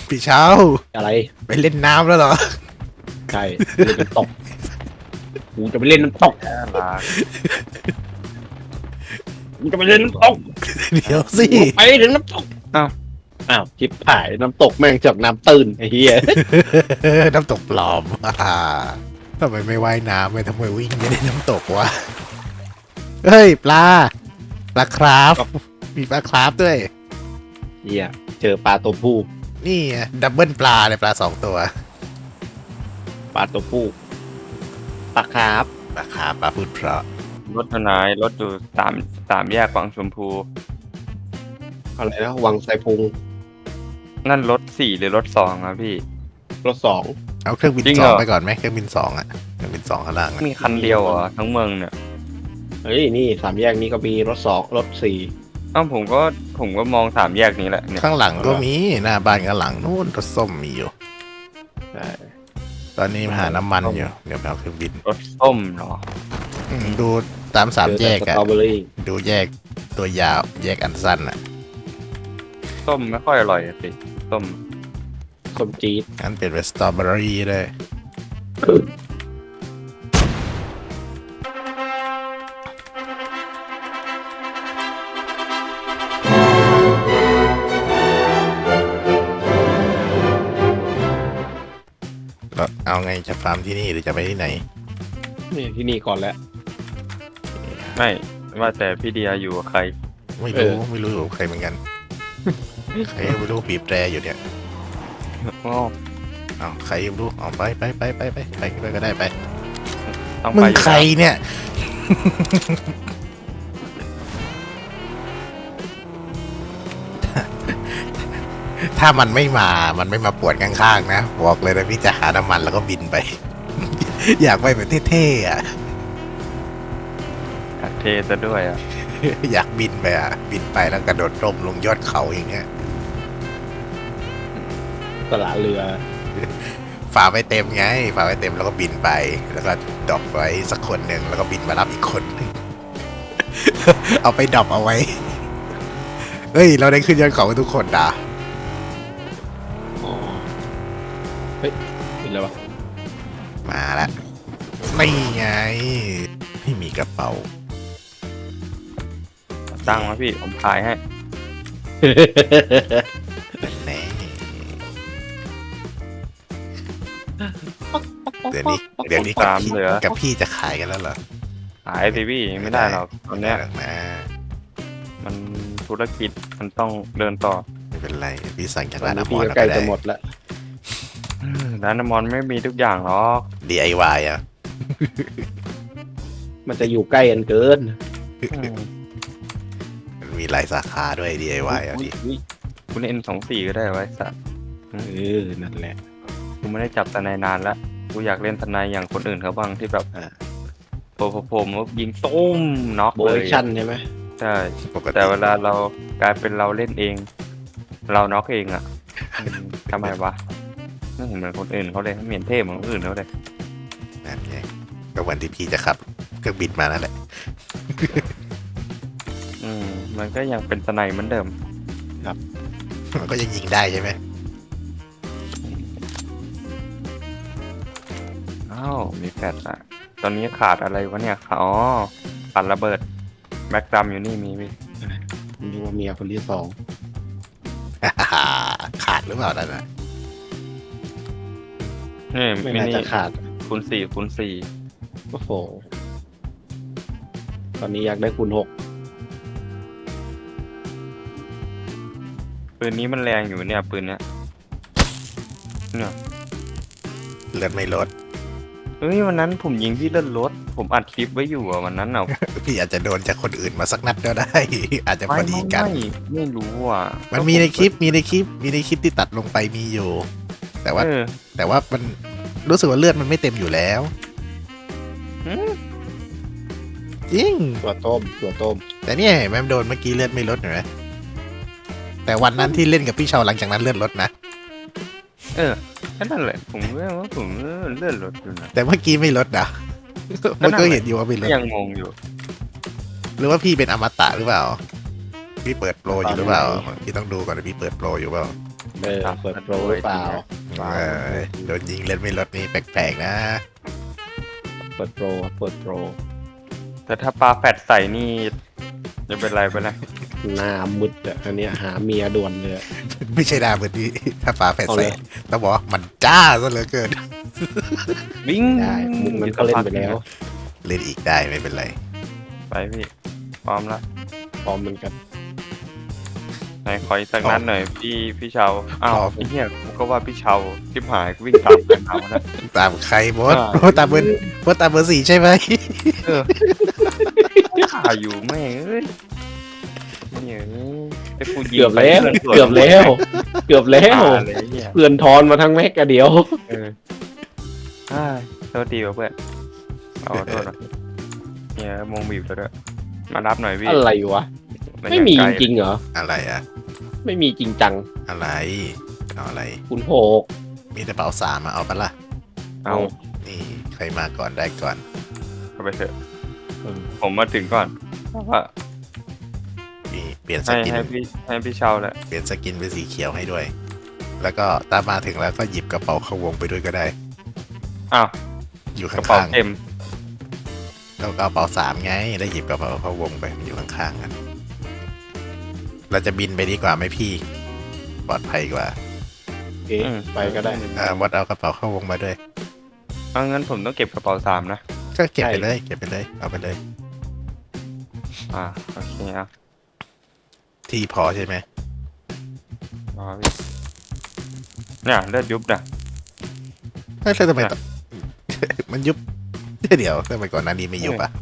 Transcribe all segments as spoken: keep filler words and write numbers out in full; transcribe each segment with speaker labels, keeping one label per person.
Speaker 1: พี่เช้า
Speaker 2: อะไร
Speaker 1: ไปเล่นน้ำแล้วเหรอ
Speaker 2: ใช่เล่นน้ำตกกูจะไปเล่นน้ำตก
Speaker 3: น่ารัก
Speaker 2: กูจะไปเล่นน้ำตก
Speaker 1: เดี๋ยวสิ
Speaker 2: ไปถึงน้ำตกอ้าวอ้าวชิบหายน้ำตกแม่งจากน้ำตื้นไอ้เหี้ย
Speaker 1: น้ำตกปลอม อ่าทำไมไม่ว่ายน้ำไม่ทำไมวิ่งไม่ได้น้ำตกวะเฮ้ยปลาปลาคราฟมีปลาคราฟด้วย
Speaker 2: เหี้ยเจอปลาตัวผู้
Speaker 1: นี่ไงดับเบิลปลาเลยปลาสองตัว
Speaker 2: ปลาตัวผู้ปลาคาร์ฟ
Speaker 1: ปลาคราฟปลาพูดเพราะ
Speaker 3: รถทนายรถอยู่สามสามแยกวังชมพู
Speaker 2: อะไรนะวังไซพุง
Speaker 3: นั่นรถสี่หรือรถสองอะพี่
Speaker 2: รถสอง
Speaker 1: เอาเครื่องบิน
Speaker 3: จริง
Speaker 1: ส
Speaker 3: เหร
Speaker 1: อง
Speaker 3: อ
Speaker 1: ไปก่อนไหมเครื่องบินสองอะเครื่องบินสองข้างล่างอะ
Speaker 3: มีคันเดียวเหรอทั้งเมืองเนี่ย
Speaker 2: เฮ้ยนี่สามแยกนี้ก็มีรถสองรถสี่
Speaker 3: อ้าวผมก็ผมก็มองสามแยกนี้แหละเนี่ย
Speaker 1: ข้างหลังก็มีหน้าบ้านข้างหลังนู่นรถส้มมีอยู่
Speaker 2: ใช่
Speaker 1: ตอนนี้หาน้ำมันอยู่เดี๋ยวไปเอาเครื่องบิน
Speaker 3: รถส้มเนาะ
Speaker 1: อืมดูตามสามแยก
Speaker 2: เจอ
Speaker 1: อะ
Speaker 2: แต่สตรอเบอรี่
Speaker 1: ดูแยกตัวยาวแยกอันสั้นอะ
Speaker 3: ส้มไม่ค่อยอร่อยอะสิส้ม
Speaker 2: สมจี๊ด
Speaker 1: งั้นเปลี่ยนเป็นสตรอเบอรี่เลยแล้วเอาไงจะฟาร์มที่นี่หรือจะไปที่ไหน
Speaker 2: นี่ที่นี่ก่อนแล้ว
Speaker 3: ไม่ว่าแต่พี่เดียอยู่กับใคร
Speaker 1: ไม่
Speaker 2: เอ
Speaker 1: รู้
Speaker 2: อ
Speaker 1: ไม่รู้อยู่กับใครเหมือนกัน ใครไม่รู้บีบแตรอยู่เนี่ย
Speaker 3: อ๋อ
Speaker 1: เอาใครไม่รู้เอาไปไปไปไปไปไปไปก็ได้ไป
Speaker 3: ต้อง
Speaker 1: มึ
Speaker 3: ไป
Speaker 1: ง
Speaker 3: อยู่
Speaker 1: ใคร
Speaker 3: แล้ว
Speaker 1: เนี่ย ถ้ามันไม่มา มันไม่มาปวดข้างๆนะ บอกเลยนะพี่จะหาน้ำมันแล้วก็บินไป อยากไปแบบเท่ๆอ่ะ
Speaker 3: อยากเทซะด้วยอ่ะ
Speaker 1: อยากบินไปอ่ะ บินไปแล้วกระโดดร่มลงยอดเขาอย่างเงี้ย
Speaker 2: ตลาดเรือ
Speaker 1: ฝาไว้เต็มไง ฝาไว้เต็มแล้วก็บินไป แล้วก็ดรอปไว้สักคนหนึ่งแล้วก็บินมารับอีกคนหนึ่ง เอาไปดรอปเอาไว้ เฮ้ย เราได้ขึ้นยอดเขากันทุกคนด่า
Speaker 2: อ๋อเฮ้ยเห็นแล้ววะ
Speaker 1: มาแล้วไม่ไงไม่มีกระเป๋า
Speaker 3: ตั้งมาพี่ผมขายให้
Speaker 1: แน่เดี๋ยวนี้เดี๋ยวนี้กับ
Speaker 3: ตาม
Speaker 1: พี่
Speaker 3: เหลือ
Speaker 1: กับพี่จะขายกันแล้วเหรอ
Speaker 3: ขายสิพี่ไม่ได้หรอกตอนเนี้ย
Speaker 1: ไม่ได้หรอกนะ
Speaker 3: มันธุรกิจมันต้องเดินต่อ
Speaker 1: ไม่เป็นไรพี่สั่งจาก
Speaker 2: ตอ
Speaker 1: ร้าน น
Speaker 2: นี้
Speaker 1: น้ำม
Speaker 2: พี่
Speaker 1: อน
Speaker 2: ก็
Speaker 1: เรา
Speaker 2: ใกล้
Speaker 1: ก็ได้
Speaker 2: จะหมดแล้ว
Speaker 3: อืมร้านน้ำมันไม่มีทุกอย่างหรอก
Speaker 1: ดี ไอ วาย อ่ะ
Speaker 2: มันจะอยู่ใกล้กันเกิน
Speaker 3: อืม
Speaker 1: มันมีหลายสาขาด้วย ดี ไอ วาย อ่ะ
Speaker 3: อุ๊
Speaker 1: พี่
Speaker 3: ยอุ๊ยคุณเอ็นสองสี่ก็ได้ไว้สัตว์
Speaker 2: เออนั่นแหละ
Speaker 3: กูไม่ได้จับทนายนานแล้วกูอยากเล่นทนายอย่างคนอื่นเขาบ้างที่แบบ
Speaker 2: อ่า
Speaker 3: โผล่โผล่มายิงตุ้มน็อก
Speaker 2: โบ
Speaker 3: เล
Speaker 2: ย
Speaker 3: ย
Speaker 2: ชั่นใช่ไหม
Speaker 3: ใช่
Speaker 1: ปกติ
Speaker 3: แต่เวลาเรากลายเป็นเราเล่นเอง เราน็อกเองอ่ะอืมทำไมวะไม่เห็นเหมือนคนอื่นเขาเลยไม่เห็นเท่เหมือนคนอื่นเขาเลย
Speaker 1: นั่นไงก็วันที่พี่จะขับเครื่องบินมานั่นแหละ
Speaker 3: อืมมันก็ยังเป็นทนายเหมือนเดิม
Speaker 1: มันก็ยังยิงได้ใช่ไหม
Speaker 3: อ้าวมีแฟดอะตอนนี้ขาดอะไรวะเนี่ยอ๋อขาดระเบิดแม็กดัมอยู่นี่มีพี่
Speaker 2: ผมดูว่าเมียคนที่สอง
Speaker 1: ขาดหรือเปล่านั่นน่ะ
Speaker 3: นี่
Speaker 2: ไม่
Speaker 3: มิ
Speaker 2: น่า
Speaker 3: นิ
Speaker 2: จะขาด
Speaker 3: คูณสี่คูณสี่
Speaker 2: โอ้โหตอนนี้อยากได้คูณหก
Speaker 3: ปืนนี้มันแรงอยู่เนี่ยปืนเนี้ยเนี่ย
Speaker 1: เลือดไม่ลด
Speaker 3: เฮ้ยวันนั้นผมยิงพี่เลื่อนรถผมอัดคลิปไว้อยู่อะวันนั้นอะ
Speaker 1: พี่อาจจะโดนจากคนอื่นมาสักนัดก็ได้ อาจจะพอดีกัน
Speaker 3: ไม่ไม่รู้อ่ะ
Speaker 1: มันมีในคลิปมีในคลิปมีในคลิปที่ตัดลงไปมีอยู่ แต่ว่า
Speaker 3: เออ
Speaker 1: แต่ว่ามันรู้สึกว่าเลือดมันไม่เต็มอยู่แล้ว
Speaker 3: อืม
Speaker 1: จริง
Speaker 2: ตัวต้มตัวต้ม
Speaker 1: แต่เนี่ยเห็นไหมมันโดนเมื่อกี้เลือดไม่ลดเห็นไหมแต่วันนั้นที่เล่นกับพี่เชาหลังจากนั้นเลือดลดนะ
Speaker 3: เออแค่นั้นแหละผมว่าผมเลื่อนรถอยู่นะ
Speaker 1: แต่เมื่อกี้ไม่ลดนะ มันก็เห็นอยู่ว่าไม่ล
Speaker 3: ก็
Speaker 1: ด
Speaker 3: ยังงงอยู่
Speaker 1: หรือว่าพี่เป็นอมตะหรือเปล่า พี่เปิดโปรอยู่หรือเปล่าพี่ต้องดูก่อนว่าพี่เปิดโปรอยู่เปล่า
Speaker 2: เออเปิดโปรหรือเปล่า
Speaker 1: เออโดนยิงเล่นไม่ลดนี่แปลกๆนะ
Speaker 2: เปิดโปรเปิดโปร
Speaker 3: แต่ถ้าปลาแฟดใส่นี่จะเป็นไรไปนะ
Speaker 2: หน้ามุดอ่ะอันเนี้ยหาเมียด่วนเลยอะ
Speaker 1: ไม่ใช่ดาเหมือนที่ถ้าฟ้าแฝด
Speaker 2: เอา
Speaker 1: ใส่
Speaker 2: เลย
Speaker 1: ต้องบอกว่ามันจ้าซะเหลือเกิน
Speaker 3: วิ่ง
Speaker 2: ได้มุกนั้นก็เล่นไปแล้ว
Speaker 1: เล่นอีกได้ไม่เป็นไร
Speaker 3: ไปพี่พร้อมละ
Speaker 2: พร้อมเหมือนกัน
Speaker 3: ไหนขออีกสักนัดหน่อยพี่พี่เชาวอ้าว
Speaker 1: พร้อม
Speaker 3: ไอ้เหี้ยกูก็ว่าพี่เชาวทิพหายกูวิ่งตามไปเอาแล้ว
Speaker 1: ตามใครบอส
Speaker 3: อ่า
Speaker 1: โอ้ตามเบอร์บอสตามเบอร์สี่ใช่ไหม
Speaker 3: เออขาอยู่แม่งเอ้ยเนี่ยไอ้กูยิง
Speaker 2: เกือบ
Speaker 3: ไป
Speaker 2: แล้ว
Speaker 3: พื่นสวน
Speaker 2: เกือบแล้ว เกือบแล้ว
Speaker 3: ตายเลยไอ้เนี่ย
Speaker 2: เพื่อนทอนมาทั้งแม็กอะเดียว
Speaker 3: เอออ่าโทษทีว่ะเพื่อนเอาขอโทษนะเนี่ยมงบีบแล้วด้วยมารับหน่อยพี่
Speaker 2: อะไรวะ
Speaker 3: น
Speaker 2: ไม่มี
Speaker 3: ยัง
Speaker 2: จ
Speaker 3: กล
Speaker 2: ริงๆเหรอ
Speaker 1: อะไรอะ
Speaker 2: ไม่มีจริงจัง
Speaker 1: อะไรเอาอะไร
Speaker 2: คุณโหก
Speaker 1: มีแต่เป๋าสามมาเอาปะล่ะ
Speaker 3: เอา
Speaker 1: นี่ใครมาก่อนได้ก่อน
Speaker 3: เอาไปเถอะ
Speaker 2: เออ
Speaker 3: ผมมาถึงก่อนเพราะว่า
Speaker 1: มีเปลี่ยนส
Speaker 3: ให้
Speaker 1: กิน
Speaker 3: ให้พี่ให้พี่เชาวแหละ
Speaker 1: เปลี่ยนสกินเป็นสีเขียวให้ด้วย แล้วก็ตามมาถึงแล้วก็หยิบกระเป๋าเข้าวงไปด้วยก็ได้
Speaker 3: อ้าว
Speaker 1: อยู่
Speaker 3: กระเป๋า
Speaker 1: ข้าง
Speaker 3: เต็ม
Speaker 1: ๆแล้วกระเป๋าสามไงได้หยิบกระเป๋าเข้าวงไปมันอยู่ข้างๆกันเราจะบินไปดีกว่าไหมพี่ ปลอดภัยกว่า
Speaker 2: โอเคไปก็ได้
Speaker 1: อ่าวัดเอากระเป๋าเข้าวงมาด้วย
Speaker 3: เอางั้นผมต้องเก็บกระเป๋าสามนะ
Speaker 1: ก็เก็บไป
Speaker 2: ใช่
Speaker 1: เลย เก็บไปเลย เอาไปเลย
Speaker 3: อ่าโอเคอ่ะ
Speaker 1: ที่พอใช่ไหม
Speaker 3: รอพี่เนี่ยเลือดยุบนะ
Speaker 1: เฮ้ยแล้วทำไมต้อง มันยุบ เดี๋ยวทำไมก่อนหน้านี้ไม่ยุบอ่ะ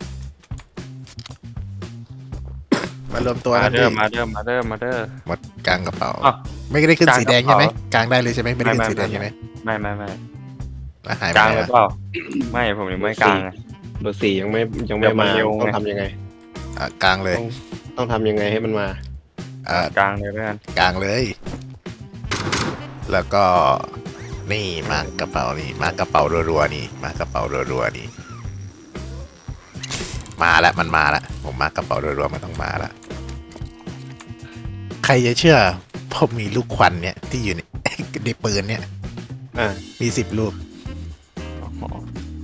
Speaker 1: มารวมตัว
Speaker 3: มา
Speaker 1: กัน
Speaker 3: เด้
Speaker 1: ดิ
Speaker 3: อมาเด้อมาเด้อมาเด้อ
Speaker 1: หมดกลางกระเป๋า
Speaker 3: อ้าว
Speaker 1: ไม่ได้ขึ้นสีแดงใช่ไหม
Speaker 3: กลางกระเป๋า
Speaker 1: กลางได้เลยใช่ไหมไม่ได้ขึ้น
Speaker 3: ไม่
Speaker 1: สีแดง
Speaker 3: ไม่
Speaker 1: ใช่ไหม
Speaker 3: ไม่ไม่ไม่
Speaker 1: แล้วหายไป
Speaker 3: กลาง
Speaker 1: ไหน
Speaker 3: เลย
Speaker 1: วะ
Speaker 3: เปล่าไม่ผมยังไม่กลางไง
Speaker 2: เบอร์สี่ยังไม่ยังไม่
Speaker 3: เดี๋ยวมั
Speaker 2: มาน
Speaker 3: เร็วไง
Speaker 2: ต้องทำยังไง
Speaker 1: อ่ะกลางเลย
Speaker 2: ต้องทำยังไงให้มันมา
Speaker 1: อ่ะ
Speaker 3: กลางเลยแล้วกัน
Speaker 1: กลางเลย แล้วก็ นี่มากระเป๋านี่มากระเป๋ารัวๆนี่ มากระเป๋ารัวๆนี่ มาแล้วมันมาแล้วผมมากระเป๋ารัวๆมันต้องมาแล้วใครจะเชื่อผมมีลูกควันเนี่ยที่อยู่ใน ในปืนเนี่ย
Speaker 2: อ่า
Speaker 1: มีสิบลูก
Speaker 3: อ๋อ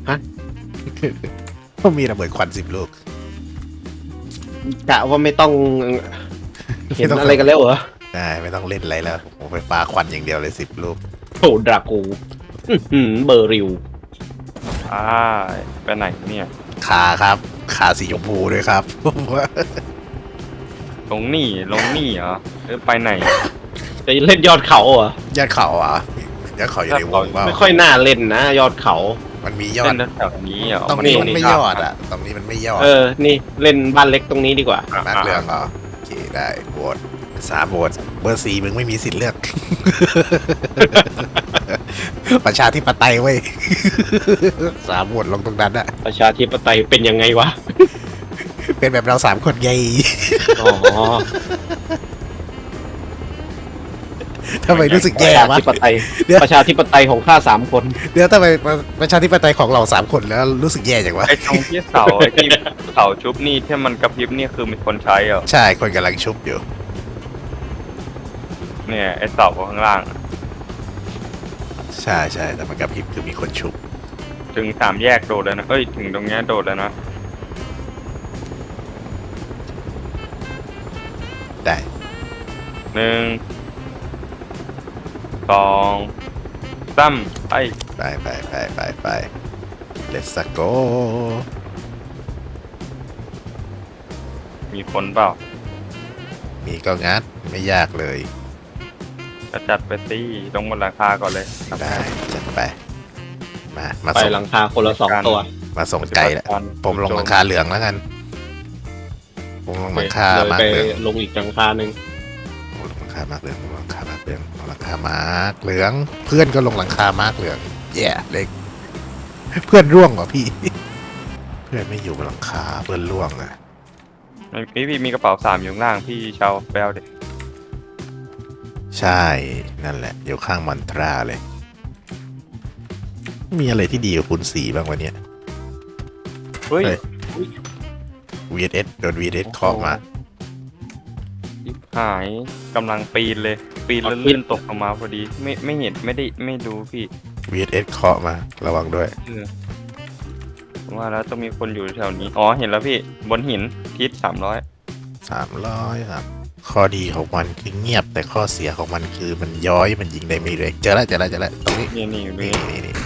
Speaker 1: ผมมีระเบิดควันสิบลูก
Speaker 2: กะว่าไม่ต้องเห็นอะไรกันแล้วเหรอ
Speaker 1: ได้ไม่ต้องเล่นอะไรแล้วผมไปปาควันอย่างเดียวเลยสิบลูก
Speaker 2: โหดรากูอื้อหือเบอร์ริว
Speaker 3: อ่าไปไหนเนี่ย
Speaker 1: ขาครับขาสีชมพูด้วยครับ ผมว่า
Speaker 3: ลงนี่ลงนี่เหรอเออไปไหน
Speaker 2: จะเล่นยอดเขาเหรอย
Speaker 1: อดเขาอ่ะยอดเขาอยู่ในวงเปล่า
Speaker 2: ไม่ค่อยน่าเล่นนะ ยอดเขา
Speaker 1: มันมียอ
Speaker 3: เส้
Speaker 1: ด
Speaker 3: นแถวๆนี้เหรอ
Speaker 1: ตรง
Speaker 3: มั
Speaker 1: นี้มันไม่
Speaker 3: ลง
Speaker 1: ยอดอ่ะ ตรงนี้มันไม่ยอด
Speaker 2: เออ นี่เล่นบ้านเล็กตรงนี้ดีกว่า
Speaker 1: มาร์คเรื่องเหรอโอเคได้โหวตสามโหวตเบอร์สี่มึงไม่มีสิทธิ์เลือก ประชาธิปไตยเว้ย สามโหวตลงตรงนั้นอะ
Speaker 2: ประชาธิปไตยเป็นยังไงวะ
Speaker 1: เป็นแบบเราสามคนไง
Speaker 2: อ๋อ
Speaker 1: ทำไมรู้สึก
Speaker 2: ป
Speaker 1: แย่
Speaker 2: ระชาว
Speaker 1: ะ
Speaker 2: ธิปไตย
Speaker 1: เดี๋ยว
Speaker 2: ประชาธิปไตยของข้าสามคน
Speaker 1: เดี๋ยวทำไมประชาธิปไตยของเราสามคนแล้วรู้สึกแย่จังวะ
Speaker 3: ไอ้ตรงที่เสาไอ้ที่เสาชุบนี่ที่มันกระพริบนี่คือมีคนใช้เหรอ
Speaker 1: ใช่คนกำลังชุบอยู่
Speaker 3: เนี่ยไอ้เสาข้างล่างอะ
Speaker 1: ใช่ใช่แต่มันกระพริบคือมีคนชุบ
Speaker 3: ถึงสามแยกโดดแล้วนะเอ้ยถึงตรงเนี้ยโดดแล้วนะ
Speaker 1: ได้
Speaker 3: หนึ่งสองสามไป
Speaker 1: ไปไปไปไปไป let's go
Speaker 3: มีคนเปล่า
Speaker 1: มีก็งัดไม่ยากเลย
Speaker 3: จะจัดไปสิลงบนหลังคาก่อนเลย
Speaker 1: ได้จัดไป มามา
Speaker 2: ไป
Speaker 1: ส่ง
Speaker 2: หลังคาคนละสองตัว
Speaker 1: มาส่งไกลแล้วผมลงหลังคาเหลืองแล้วกัน ผมลงหลังคา
Speaker 2: เลย
Speaker 1: มา
Speaker 2: ไป
Speaker 1: ร์กเหลือง
Speaker 2: ลงอีกหลังคาหนึ่ง
Speaker 1: ผมลงหลังคามาร์กเหลืองผมลงหลังคามาร์กเหลืองลงหลังคามาร์กเหลือง เพื่อนก็ลงหลังคามาร์กเหลืองแย่เล็ก เพื่อนร่วงเหรอพี่ เพื่อนไม่อยู่บนหลังคาเพื่อนร่วงอะ
Speaker 3: พี่พี่มีกระเป๋าสามอยู่ข้างล่างพี่เชาไปเอาเด็ก
Speaker 1: ใช่นั่นแหละอยู่ข้างมอนตราเลย มีอะไรที่ดีกว่าคูณสี่บ้างวะเนี่ย
Speaker 3: เฮ้ย
Speaker 1: เฮ้ย วี เอส โดน วี เอส เคาะมา
Speaker 3: ชิบหายกำลังปีนเลยปีนแล้วลื่นตกลงมาพอดี ไม่ไม่เห็นไม่ได้ไม่ดูพี่
Speaker 1: วี เอส เคาะมาระวังด้วย
Speaker 3: เออว่าแล้วต้องมีคนอยู่แถวนี้ อ๋อเห็นแล้วพี่บนหินทิศสามร้อย
Speaker 1: สามร้อยครับข้อดีของมันคือเงียบแต่ข้อเสียของมันคือมันย้อยมันยิงได้ไม่เร็วเจอแล้วเจอแล้วเจอแล้วตรงนี้
Speaker 3: นี่นี่อยู่
Speaker 1: นี่
Speaker 3: นี่
Speaker 1: นี่นี่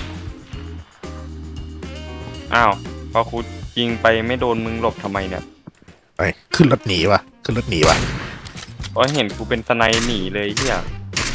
Speaker 3: อ้าวพอคูยิงไปไม่โดนมึงหลบทำไมเนี่ย
Speaker 1: ไปขึ้นรถหนีวะขึ้นรถหนีวะ
Speaker 3: เพราะเห็นกูเป็นสไนหนีเลยเฮีย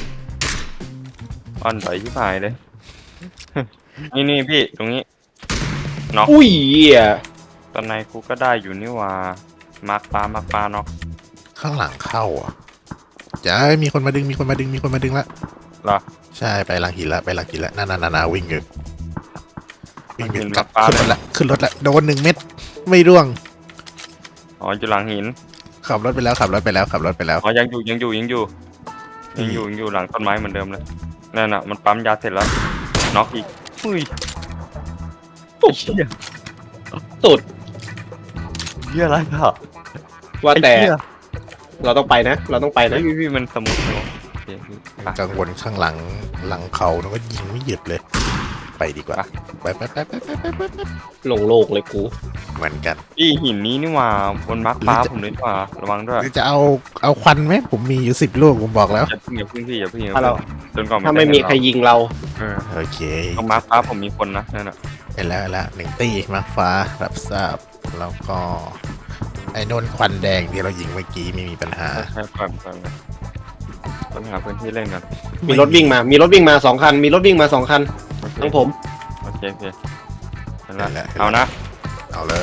Speaker 3: อ่อนต่อยที่พายเลย นี่นี่พี่ตรงนี้น็อก
Speaker 2: อุ้ยเหี้ย
Speaker 3: สไนกูก็ได้อยู่นี่ว่ามาร์คปลามาร์คปลาน็อก
Speaker 1: ข้างหลังเข้าอ่ะจะมีคนมาดึงมีคนมาดึงมีคนมาดึงละ
Speaker 3: เหรอ
Speaker 1: ใช่ไปหลังหินละไปหลังหินละนั่นนั่นนั่นวิ่งอยู่วิ่งอยู่
Speaker 3: หลังหิน
Speaker 1: กลับ
Speaker 3: ปลา
Speaker 1: ขึ้นรถละขึ้นรถละโดนหนึ่งเม็ดไม่ร่วง
Speaker 3: อ๋ออยู่หลังหิน
Speaker 1: ขับรถไปแล้วขับรถไปแล้วขับรถไปแล้ว
Speaker 3: อ๋อยังอยู่ยังอยู่ยังอยู่
Speaker 1: อื
Speaker 3: ยัง
Speaker 1: ม
Speaker 3: อยู่ยังอยู่หลังต้นไม้เหมือนเดิมเลยนั่นน่ะมันปั๊มยาเสร็จแล้วน็อกอีกอุ้ย
Speaker 2: โอ้โหสุด
Speaker 3: เหี้ยอะไรอ่ะ
Speaker 2: ว่าแต่
Speaker 3: ไอ้เหี้ย
Speaker 2: เราต้องไปนะ เราต้องไป
Speaker 3: เฮ้
Speaker 2: นะ
Speaker 3: ยพี่มันสมุกเนอะโอเคพี่ไป
Speaker 1: กังวลข้างหลังหลังเขาแล้วก็ยิงไม่หยุดเลย ไปดีกว่าไปไปไปไปไปไปไปไป
Speaker 2: ลงโลกเลยกู
Speaker 1: เหมือนกัน
Speaker 3: พี่หินนี้นี่หว่าบนมาร์คฟ้าผมเลยนี่หว่าระวังด้วย
Speaker 1: หรือจะเอาเอาควันไหมผมมีอยู่สิบลูกผมบอกแล้ว
Speaker 3: อย่าเพิ่งอย่าเพิ่งพี่อย่าเพิ่งอย่า
Speaker 2: ถ้าเรา
Speaker 3: เพิ่งจนกว่า
Speaker 2: ถ้าไม่มีใครยิงเรา
Speaker 3: เออ
Speaker 1: โอเค
Speaker 3: ตรงมาร์คฟ้าผมมีคนนะนั่นน่ะ
Speaker 1: ไปแล้วไปแล้วหนึ่งตีมาฟ้ารับทราบแล้วก็ไอ้นนควันแดงที่เรายิงเมื่อกี้ไม่มีปัญหา
Speaker 3: ใช่ปล่อยปล่อยปล่อยต้องหาพื้นที่เล่นกัน
Speaker 2: มีรถวิ่งมา มีรถวิ่งมาสองคัน มีรถวิ่งมาสองคัน
Speaker 3: โอเค
Speaker 2: ทั้งผม
Speaker 3: โอเคโอเคเห็น
Speaker 1: นั่
Speaker 3: แล้ว
Speaker 1: นแหละ
Speaker 3: เอานะ
Speaker 1: เอาเลย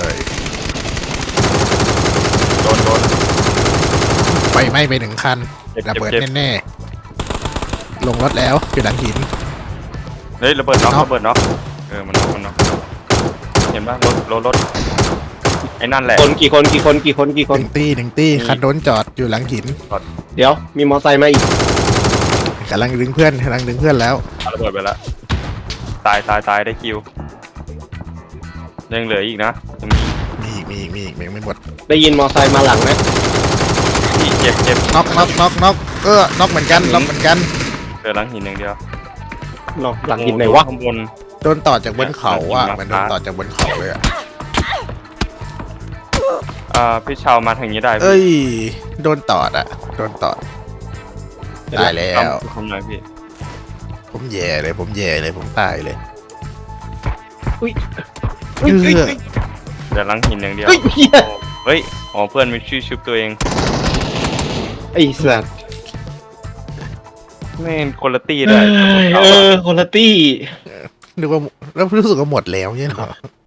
Speaker 3: โดนโดน
Speaker 1: ไฟไหม้ไปหนึ่งคัน
Speaker 3: เจ็บ
Speaker 1: ระ
Speaker 3: เจ็บ
Speaker 1: เบิด
Speaker 3: เจ็บ
Speaker 1: แน่ๆลงรถแล้วอยู่หลังหิน
Speaker 3: เฮ้ยระเบิดน็อก
Speaker 1: น็อก
Speaker 3: ระเบิดน็อกเออมันน็อกมันน็อกเห็นป่ะรถรถรถไอ้นั่นแหละ
Speaker 2: คนกี่คนกี่คนกี่คนกี่ค
Speaker 1: ห
Speaker 2: น
Speaker 1: นึ่งตีหนึ่งตีคันโดนจอดอยู่หลังหิน
Speaker 2: เดี๋ยว มีมอไซค์มาอีก
Speaker 1: กำลังดึงเพื่อนกำลังดึงเพื่อนแล้ว
Speaker 3: เอาระเบิดไปแล้วตายตายตายได้คิวยังเหลืออีกนะยังมี
Speaker 1: มีอีกมีอีกมีอีกยังไม่หมด
Speaker 2: ได้ยินมอไซค์มาหลังนะ
Speaker 3: อีกเจ็บเจ็บ
Speaker 1: น็อกน็อกน็อกน็อกเออน็อกเหมือนกันน็อกเหมือนกัน
Speaker 3: เหลือหลังหินอย่างเดียว
Speaker 2: หรอหลังหินไหนวะ
Speaker 3: ข้างบน
Speaker 1: โดนต่อจากบนเขาอ่ะ
Speaker 3: หลังหิน
Speaker 1: เหมันโดนต่อจากบนเขาเลยอ่ะ
Speaker 3: อ่าพี่ชาวมาทางนี้ได้พี่
Speaker 1: เอ้ยโดนตอดอ่ะโดนตอดตายแล้ว
Speaker 3: ทำทำหน่อยพี่
Speaker 1: ผมแย่เลยผมแย่เลยผมตายเลย
Speaker 2: อุ้ย
Speaker 1: เออ
Speaker 3: เหลือหลังหินอย่างเดียว
Speaker 2: เฮ้ยเหี้ย
Speaker 3: เฮ้ยอ๋อเพื่อนมีชื่อชุบตัวเอง
Speaker 2: ไอ้สัส
Speaker 3: ไม่งคนละตี้เลย
Speaker 2: เออ คนละตี้
Speaker 1: นึกว่าแล้วรู้สึกว่าหมดแล้วใช่เหรอ